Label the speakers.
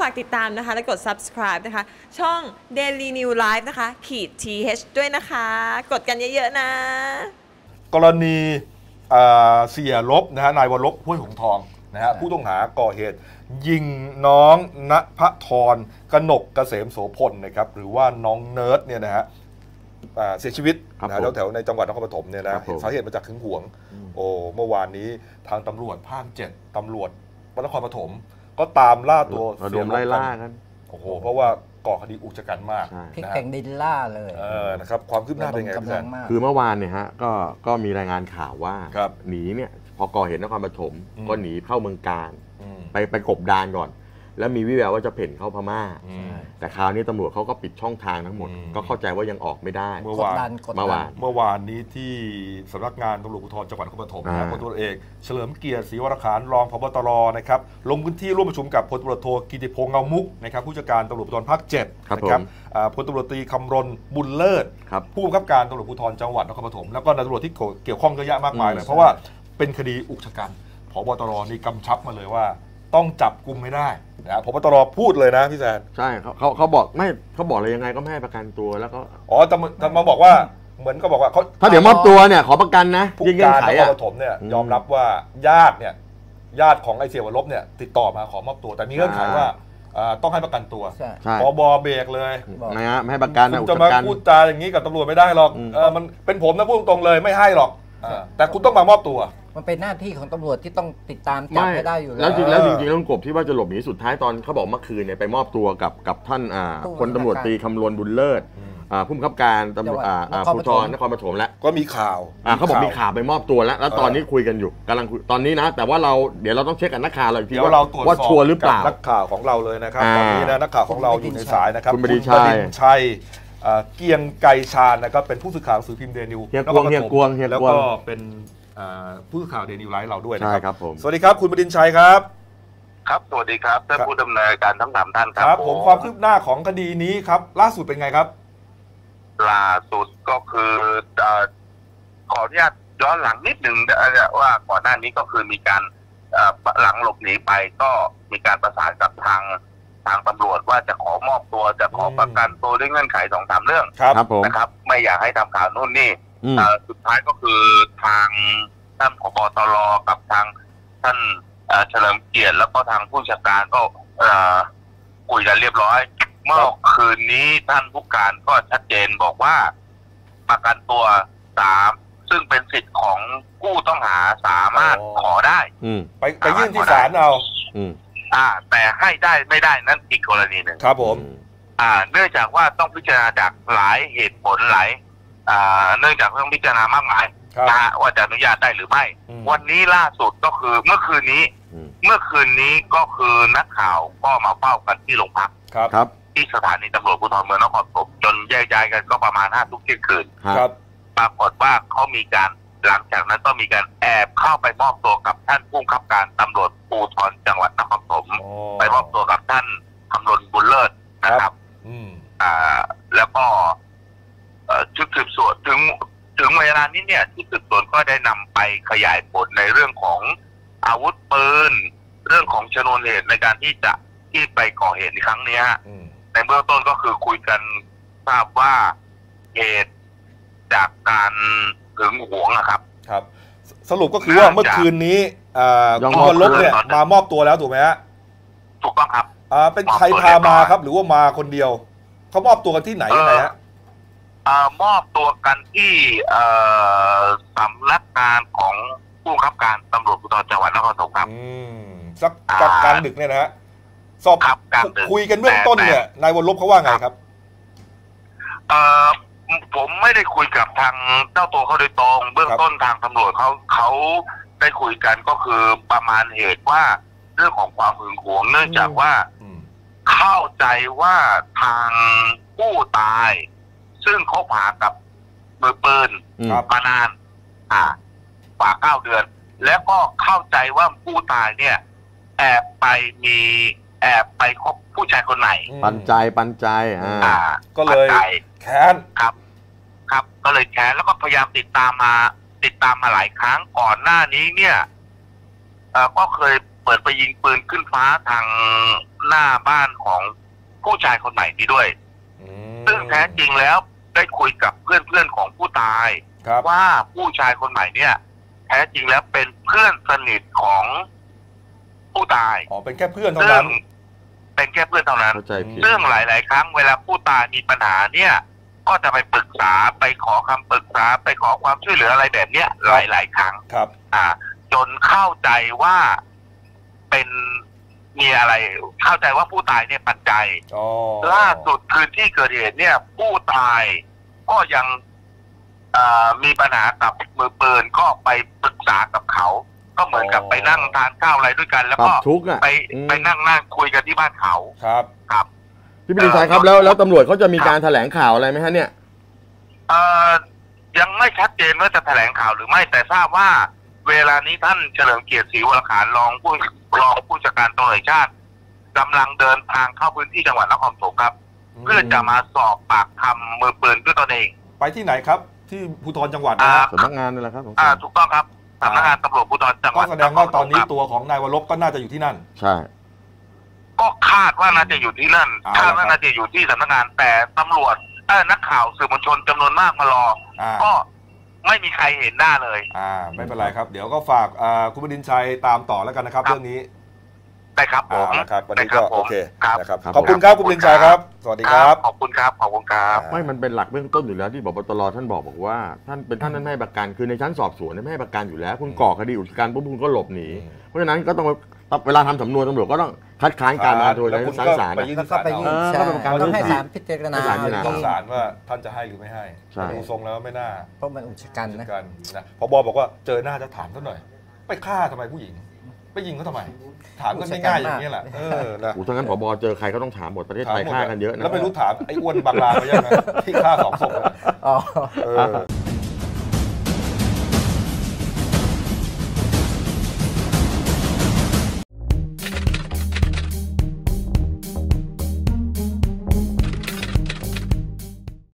Speaker 1: ากติดตามนะคะและกด subscribe นะคะช่อง Daily New Life นะคะ-th ด้วยนะคะกดกันเยอะๆนะ
Speaker 2: กรณีเสียลบนะฮะนายวรลบห้วยหงทองนะฮะผู้ต้องหาก่อเหตุยิงน้องณภธรกนกเกษมโสพลนะครับหรือว่าน้องเนิร์ดเนี่ยนะฮะเสียชีวิตนะแถวในจังหวัดนครปฐมเนี่ยนะสาเหตุมาจากหึงหวงเมื่อวานนี้ทางตำรวจภาค 7ตำรวจนครปฐมก็ตามล่าตัวเสียลบกันโอ้โหเพราะว่าก่อคดีอุกชะกันมาก
Speaker 3: พลิกแผ่นดินล่าเลย
Speaker 2: นะครับความคืบหน้าเป็นไงพี่แซน
Speaker 4: คือเมื่อวานเนี่ยฮะก็มีรายงานข่าวว่าหนีเนี่ยพอก่อเหตุนครปฐมก็หนีเข้าเมืองกาญไปกบดานก่อนแล้วมีวิแววว่าจะเพ่นเข้าพม่าแต่คราวนี้ตำรวจเขาก็ปิดช่องทางทั้งหมดก็เข้าใจว่ายังออกไม่ได้
Speaker 2: เมื่อวานนี้ที่สำนักงานตำรวจภูธรจังหวัดนครปฐมนะพลตำรวจเอกเฉลิมเกียรติศรีวรขานรองผบตรนะครับลงพื้นที่ร่วมประชุมกับพลตำรวจโทกิติพงษ์เงามุกนะครับผู้จัดการตำรวจภูธรภาค 7นะครับพลตำรวจตรีคำรณบุญเลิศผู้บังคับการตำรวจภูธรจังหวัดนครปฐมแล้วก็นายตำรวจที่เกี่ยวข้องเยอะแยะมากมายเลยเพราะว่าเป็นคดีอุกชะกันผบตรนี่กำชับมาเลยว่าต้องจับกุมไม่ได้นะผบตรพูดเลยนะพี่แซน
Speaker 4: ใช่เขาบอกไม่เขาบอกเลยยังไงก็ไม่ให้ประกันตัวแล้วก็
Speaker 2: แต่มาบอกว่าเหมือนก็บอกว่าเขา
Speaker 4: ถ้าเดี๋ยวมอบตัวเนี่ยขอประกันนะ
Speaker 2: ผู้การนครปฐมเนี่ยยอมรับว่าญาติของไอ้เสียวรบเนี่ยติดต่อมาขอมอบตัวแต่มีเงื่อนไขว่าต้องให้ประกันตัวผบเบรกเลย
Speaker 4: นะฮะไม่ให้ประกัน
Speaker 2: คุณจะมาพูดจาอย่างนี้กับตำรวจไม่ได้หรอกมันเป็นผมนะพูดตรงเลยไม่ให้หรอกแต่คุณต้องมามอบตัว
Speaker 3: มันเป็นหน้าที่ของตำรวจที่ต้องติดตามจับให้ได้อยู่
Speaker 4: แล้วจริงแล้วกบที่ว่าจะหลบหนีสุดท้ายตอนเขาบอกเมื่อคืนเนี่ยไปมอบตัวกับท่านพลตำรวจตรีคำรณบุญเลิศผู้บังคับการตำรวจภูธรนครปฐมแล้ว
Speaker 2: ก็มีข่าว
Speaker 4: เขาบอกมีข่าวไปมอบตัวแล้วตอนนี้คุยกันอยู่กำลังคุยตอนนี้นะแต่ว่าเดี๋ยวเราต้องเช็คกับนักข่าวเราอีกทีว่าชัวร์หรือเปล่า
Speaker 2: นักข่าวของเราเลยนะครับตอนนี้นะนักข่าวของเราอยู่ในสายนะครับ
Speaker 4: คุณบดินทร์
Speaker 2: ชัยเกียงไกรชาญนะครับเป็นผู้สื่อข่าวสื่อพิมพ์เดนิว
Speaker 4: แล้วก็
Speaker 2: เป็นผู้สื่อข่าวเดนิวไลฟ์เราด้วย
Speaker 4: นะครับใช่ครับผม
Speaker 2: สวัสดีครับคุณบดินทร์ชัยครับ
Speaker 5: ครับสวัสดีครับท่านผู้ดำเนินการทั้ง3ท่าน
Speaker 2: ครับผมความคืบหน้าของคดีนี้ครับล่าสุดเป็นไงครับ
Speaker 5: ล่าสุดก็คือขออนุญาตย้อนหลังนิดหนึ่งว่าก่อนหน้านี้ก็คือมีการหลังหลบหนีไปก็มีการประสานกับทางตำรวจว่าจะขอมอบตัวจะขอประกันตัวด้วยเงื่อนไข 2-3 เรื่องนะครับไม่อยากให้ทำข่าวนู่นนี่สุดท้ายก็คือทางท่านผบ.ตร.กับทางท่านเฉลิมเกียรติแล้วก็ทางผู้จัดการก็คุยกันเรียบร้อยเมื่อคืนนี้ท่านผู้การก็ชัดเจนบอกว่าประกันตัว3ซึ่งเป็นสิทธิ์ของผู้ต้องหาสามารถขอได้
Speaker 2: ไปยื่นที่ศาลเอา
Speaker 5: แต่ให้ได้ไม่ได้นั่นอีกกรณีหนึ่ง
Speaker 2: ครับผม
Speaker 5: เนื่องจากว่าต้องพิจารณาจากหลายเหตุผลหลายเนื่องจากต้องพิจารณามากมายว่าจะอนุญาตได้หรือไม่วันนี้ล่าสุดก็คือเมื่อคืนนี้ก็คือนักข่าวก็มาเฝ้ากันที่โรงพักที่สถานีตำรวจภูธรเมืองนครปฐมจนแยกย้ายกันก็ประมาณ5 ทุ่มเที่ยงคืนปรากฏว่าเขามีการหลังจากนั้นก็มีการแอบเข้าไปมอบตัวกับท่านผู้บังคับการตำรวจภูธรจังหวัดนครปฐมไปมอบตัวกับท่านคำรณบุญเลิศนะครับแล้วก็ชุดสืบสวนถึงเวลานี้เนี่ยชุดสืบสวนก็ได้นำไปขยายผลในเรื่องของอาวุธปืนเรื่องของชนวนเหตุในการที่ไปก่อเหตุในครั้งนี้ในเบื้องต้นก็คือคุยกันทราบว่าเหตุจากการหึงหวงนะครับ
Speaker 2: สรุปก็คือว่าเมื่อคืนนี้คุณวรลบเนี่ยมามอบตัวแล้วถูกไหมฮะ
Speaker 5: ถูกต้องครับ
Speaker 2: เป็นใครพามาครับหรือว่ามาคนเดียวเขามอบตัวกันที่ไหนยังไงฮะ
Speaker 5: มอบตัวกันที่สำนักงานของผู้บังคับการตำรวจภูธรจังหวัดนครปฐมครับ
Speaker 2: สักกลางดึกเนี่ยนะฮะสอบคุยกันเบื้องต้นเนี่ยนายวรลบเขาว่าไงครับ
Speaker 5: ผมไม่ได้คุยกับทางเจ้าตัวเขาโดยตรงเบื้องต้นทางตำรวจเขาได้คุยกันก็คือประมาณเหตุว่าเรื่องของความหึงหวงเนื่องจากว่าเข้าใจว่าทางผู้ตายซึ่งเขาผ่ากับมือปืนมานานกว่า9 เดือนแล้วก็เข้าใจว่าผู้ตายเนี่ยแอบไปคบผู้ชายคนไหน
Speaker 4: ปันใจ
Speaker 2: ก็เลยแค้น
Speaker 5: ครับก็เลยแค้นแล้วก็พยายามติดตามมาหลายครั้งก่อนหน้านี้เนี่ยก็เคยเปิดไปยิงปืนขึ้นฟ้าทางหน้าบ้านของผู้ชายคนใหม่นี้ด้วยซึ่งแท้จริงแล้วได้คุยกับเพื่อนๆของผู้ตายว่าผู้ชายคนใหม่เนี่ยแท้จริงแล้วเป็นเพื่อนสนิทของผู้ตาย
Speaker 2: อ๋อเป็นแค่เพื่อนเท่านั้น
Speaker 5: เป็นแค่เพื่อนเท่านั้น
Speaker 4: เข้าใจผิด
Speaker 5: ซึ่งหลายๆครั้งเวลาผู้ตายมีปัญหาเนี่ยก็จะไปปรึกษาไปขอคำปรึกษาไปขอความช่วยเหลืออะไรแบบเนี้ยหลายๆครั้ง
Speaker 2: ครับ
Speaker 5: จนเข้าใจว่าเป็นมีอะไรเข้าใจว่าผู้ตายเนี่ยปัจจัยล่าสุดคืนที่เกิดเหตุเนี่ยผู้ตายก็ยังมีปัญหากับมือปืนก็ไปปรึกษากับเขาก็เหมือนกับไปนั่งทานข้าวอะไรด้วยกัน แล้วก็ไปนั่งคุยกันที่บ้านเขาครับ
Speaker 4: พี่ปิติชัยครับแล้วตำรวจเขาจะมีการแถลงข่าวอะไรไหมฮะเนี่ย
Speaker 5: ยังไม่ชัดเจนว่าจะแถลงข่าวหรือไม่แต่ทราบว่าเวลานี้ท่านเฉลิมเกียรติศรีวรขานรองผู้จัดการตำรวจแห่งชาติกำลังเดินทางเข้าพื้นที่จังหวัดนครปฐมครับเพื่อจะมาสอบปากคำมือปืนด้วยตนเอง
Speaker 2: ไปที่ไหนครับที่ภูธรจังหวัด
Speaker 4: สำนักงานนี่แหละครับ
Speaker 5: ถูกต้องครับสำนักงานตำรวจภูธรจังหวัด
Speaker 2: ก็แสดงว่าตอนนี้ตัวของนายวรบก็น่าจะอยู่ที่นั่น
Speaker 4: ใช่
Speaker 5: ก็คาดว่าน่าจะอยู่ที่นั่นคาดว่าน่าจะอยู่ที่สำนักงานแต่ตำรวจนักข่าวสื่อมวลชนจำนวนมากมารอก็ไม่มีใครเห็นหน้าเลย
Speaker 2: ไม่เป็นไรครับเดี๋ยวก็ฝากคุณปิติชัยตามต่อแล้วกันนะครับเรื่องนี้
Speaker 5: ได้ครับผม
Speaker 2: นะครับวันนี้ก็โอเคนะครับขอบคุณครับคุณปิติชัยครับสวัสดีครับ
Speaker 5: ขอบคุณครับขอบคุณครับ
Speaker 4: ไม่มันเป็นหลักเบื้องต้นอยู่แล้วที่ผบ.ตร.ท่านบอกว่าท่านไม่ให้ประกันคือในชั้นสอบสวนไม่ให้ประกันอยู่แล้วคุณก่อคดีอุกชะกันปุ๊บคุณก็หลบหนีเพราะฉะนั้นก็ต้องเวลาทำสำนวนตำรวจก็ต้องคัดค้านการมาโดยในชั้นศาล
Speaker 3: แล้วก็ไปยื่นต้องให้ศาลพิจารณา
Speaker 2: ศาลว่าท่านจะให้หรือไม่ให้ดูทรงแล้วไม่น่า
Speaker 3: เพราะมันอุกชะกันนะ
Speaker 2: ผบ.บอกว่าเจอหน้าจะถามซะหน่อยไปฆ่าทำไมผู้หญิงไปยิงเขาทำไมถามกันง่ายๆอย่างนี้แหละ
Speaker 4: นะถ้างั้นผบ.เจอใครก็ต้องถามหมดประเทศไทยฆ่ากันเยอะนะ
Speaker 2: แล้วไม่รู้ถามไอ้อ้วนบางลาไปยังไงที่ฆ่า2 ศพ